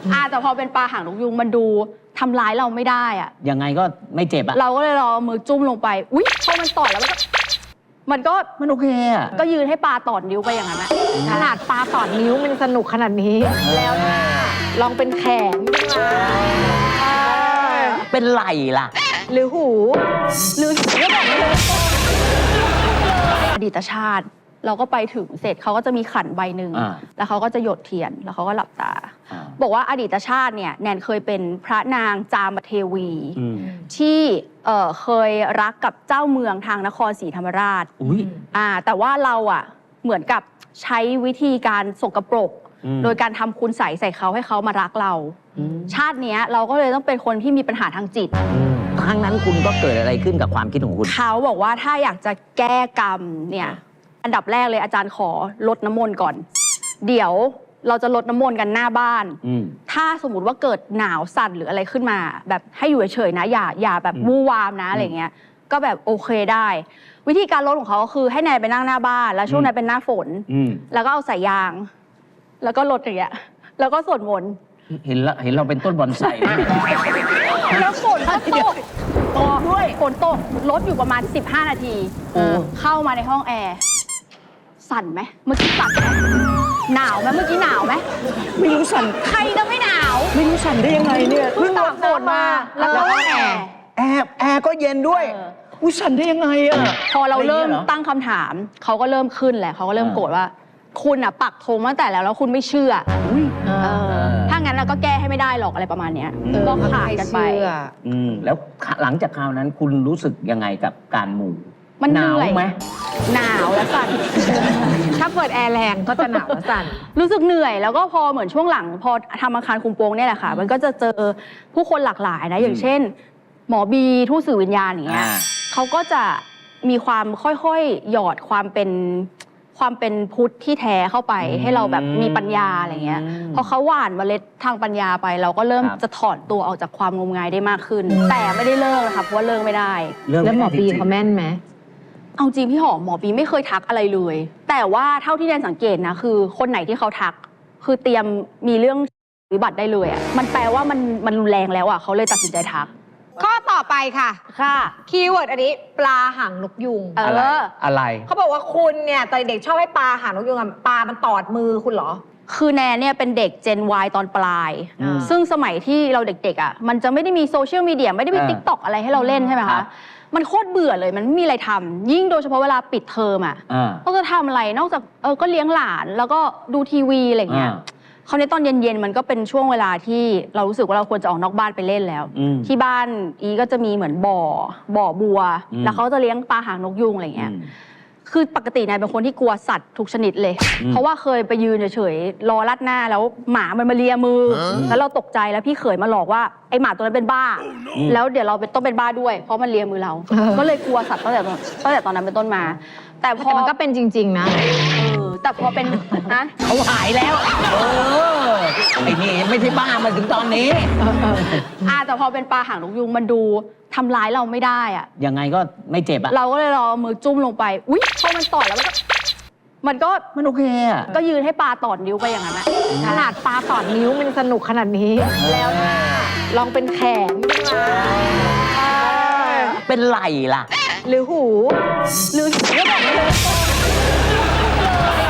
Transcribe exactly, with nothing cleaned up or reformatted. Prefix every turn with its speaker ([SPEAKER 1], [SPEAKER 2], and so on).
[SPEAKER 1] อ่าแต่พอเป็นปลาหางนกยุงมันดูทำร้ายเราไม่ได้อะ
[SPEAKER 2] ยังไงก็ไม่เจ็บอะ
[SPEAKER 1] เราก็เลยรอมือจุ่มลงไปอุ๊ยพอมันต่อยแล้วมันก็
[SPEAKER 2] มันโอเคอะ
[SPEAKER 1] ก็ยืนให้ปลาตอดนิ้วไปอย่างนั้นอะ
[SPEAKER 3] ขนาดปลาตอดนิ้วมันสนุกขนาดนี้แล้วนะลองเป็นแขน
[SPEAKER 2] เป็นไหล่ล่ะ
[SPEAKER 3] หรือหู
[SPEAKER 1] หรือไม่บอกเลยอดีตชาติเราก็ไปถึงเสร็จเขาก็จะมีขันใบหนึ่งแล้วเขาก็จะหยดเทียนแล้วเขาก็หลับตาบอกว่าอดีตชาติเนี่ยแนนเคยเป็นพระนางจามเทวีที่เอ่อเคยรักกับเจ้าเมืองทางนครศรีธรรมราชอ่าแต่ว่าเราอ่ะเหมือนกับใช้วิธีการสกปรกโดยการทำคุณใส่ใส่เขาให้เขามารักเราชาตินี้เราก็เลยต้องเป็นคนที่มีปัญหาทางจิต
[SPEAKER 2] ครั้งนั้นคุณก็เกิดอะไรขึ้นกับความคิดของคุณ
[SPEAKER 1] เขาบอกว่าถ้าอยากจะแก้กรรมเนี่ยอันดับแรกเลยอาจารย์ขอลดน้ำมนต์ก่อนเดี๋ยวเราจะลดน้ำมนต์กันหน้าบ้านถ้าสมมุติว่าเกิดหนาวสั่นหรืออะไรขึ้นมาแบบให้อยู่เฉยๆนะอย่าอย่าแบบวู่วามนะอะไรเงี้ยก็แบบโอเคได้วิธีการลดของเขาก็คือให้แนนไปนั่งหน้าบ้านแล้วช่วงนั้นเป็นหน้าฝนแล้วก็เอาสายยางแล้วก็ลดอย่างเงี้ยแล้วก็สวดมนต์
[SPEAKER 2] เห็นละเห็นเราเป็นต้นบอนไซ
[SPEAKER 1] แล้วฝนก็ตกตกด้วยฝนตกลดอยู่ประมาณสิบห้านาทีเข้ามาในห้องแอร์สั่นไหมเมื่อกี้สั่นไหมหนาวไหมเมื่อกี้หนาวไหม
[SPEAKER 3] ไม่รู้สั่น
[SPEAKER 1] ใครจะไม่หนาว
[SPEAKER 3] ไม่รู้สั่นได้ยังไงเนี่ย
[SPEAKER 1] เพิ่งตากฝนมาแล้วก็แอร์
[SPEAKER 2] แอร์แอร์ก็เย็นด้วย
[SPEAKER 3] อุ้ยสั่นได้ยังไงอะ
[SPEAKER 1] พอเราเริ่มตั้งคำถามเขาก็เริ่มขึ้นแหละเขาก็เริ่มโกรธว่าคุณอ่ะปักธงตั้งแต่แล้วแล้วคุณไม่เชื่อถ้างั้นเราก็แก้ให้ไม่ได้หรอกอะไรประมาณนี้ก็ขาดกันไป
[SPEAKER 2] แล้วหลังจากคราวนั้นคุณรู้สึกยังไงกับการมู
[SPEAKER 1] มันหนาว
[SPEAKER 2] ไหม
[SPEAKER 1] หนาวและสั่น
[SPEAKER 3] ถ้าเปิดแอร์แรงก็จะหนาวและสั่น
[SPEAKER 1] รู้สึกเหนื่อยแล้วก็พอเหมือนช่วงหลังพอทำอาคารคุมโปงเนี่ยแหละค่ะมันก็จะเจอผู้คนหลากหลายนะอย่างเช่นหมอบีทูตสื่อวิญญาณอย่างเงี้ยเขาก็จะมีความค่อยๆหยอดความเป็นความเป็นพุทธที่แท้เข้าไปให้เราแบบมีปัญญาอะไรเงี้ยพอเขาหว่านเมล็ดทางปัญญาไปเราก็เริ่มจะถอนตัวออกจากความงมงายได้มากขึ้นแต่ไม่ได้เลิกนะคะเพราะว่าเลิกไม่ได้
[SPEAKER 3] แล้วหมอบีเขาแม่นไหม
[SPEAKER 1] เอาจริงพี่หอมหมอบีไม่เคยทักอะไรเลยแต่ว่าเท่าที่แนนสังเกตนะคือคนไหนที่เขาทักคือเตรียมมีเรื่องวิบัติได้เลยอ่ะมันแปลว่ามันมันรุนแรงแล้วอ่ะเขาเลยตัดสินใจทัก
[SPEAKER 3] ข้อต่อไปค่ะ
[SPEAKER 1] ค่ะ
[SPEAKER 3] คีย์เวิร์ดอันนี้ปลาหางนกยุง
[SPEAKER 1] เออ
[SPEAKER 2] อะไร
[SPEAKER 3] เขาบอกว่าคุณเนี่ยตอนเด็กชอบให้ปลาหางนกยุงปลามันตอดมือคุณเหรอ
[SPEAKER 1] คือแนนเนี่ยเป็นเด็ก เจน วาย ตอนปลายซึ่งสมัยที่เราเด็กๆอ่ะมันจะไม่ได้มีโซเชียลมีเดียไม่ได้มี ติ๊กต็อก อะไรให้เราเล่นใช่ไหมคะมันโคตรเบื่อเลยมันไม่มีอะไรทำยิ่งโดยเฉพาะเวลาปิดเทอมอ่ะเราจะทำอะไรนอกจากเออก็เลี้ยงหลานแล้วก็ดูทีวีอะไรเงี้ยคราวนี้ตอนเย็นๆมันก็เป็นช่วงเวลาที่เรารู้สึกว่าเราควรจะออกนอกบ้านไปเล่นแล้วที่บ้านอีก็จะมีเหมือนบ่อบ่อบัวแล้วเขาจะเลี้ยงปลาหางนกยุงอะไรเงี้ยคือปกตินายเป็นคนที่กลัวสัตว์ทุกชนิดเลยเพราะว่าเคยไปยืนเฉยๆรอลัดหน้าแล้วหมามันมาเลียมือแล้วเราตกใจแล้วพี่เขยมาหลอกว่าไอหมาตัวนั้นเป็นบ้าแล้วเดี๋ยวเราต้องเป็นบ้าด้วยเพราะมันเลียมือเราก็เลยกลัวสัตว์ตั้งแต่ตั้งแต่ตอนนั้นเป็นต้นมาแต่พอ
[SPEAKER 3] มันก็เป็นจริงๆนะ
[SPEAKER 1] แต่พอเป็นนะ
[SPEAKER 2] เขาหายแล้วเออไอ้นี่ไม่ใช่บ้ามาถึงตอนนี้
[SPEAKER 1] อ่าแต่พอเป็นปลาหางนกยุงมันดูทำร้ายเราไม่ได้อะ
[SPEAKER 2] ยังไงก็ไม่เจ็บอะ
[SPEAKER 1] เราก็เลยรอมือจุ่มลงไปอุ๊ยพอมันต่อยแล้วมันก็
[SPEAKER 2] มันโอเคอะ
[SPEAKER 1] ก็ยืนให้ปลาตอดนิ้วไปอย่างนั้นอะ
[SPEAKER 3] ขนาดปลาตอดนิ้วมันสนุกขนาดนี้แล้วนะลองเป็นแขน
[SPEAKER 2] เป็นไหล่ล่ะ
[SPEAKER 3] หรือหู
[SPEAKER 1] หรือไม่บอกเลย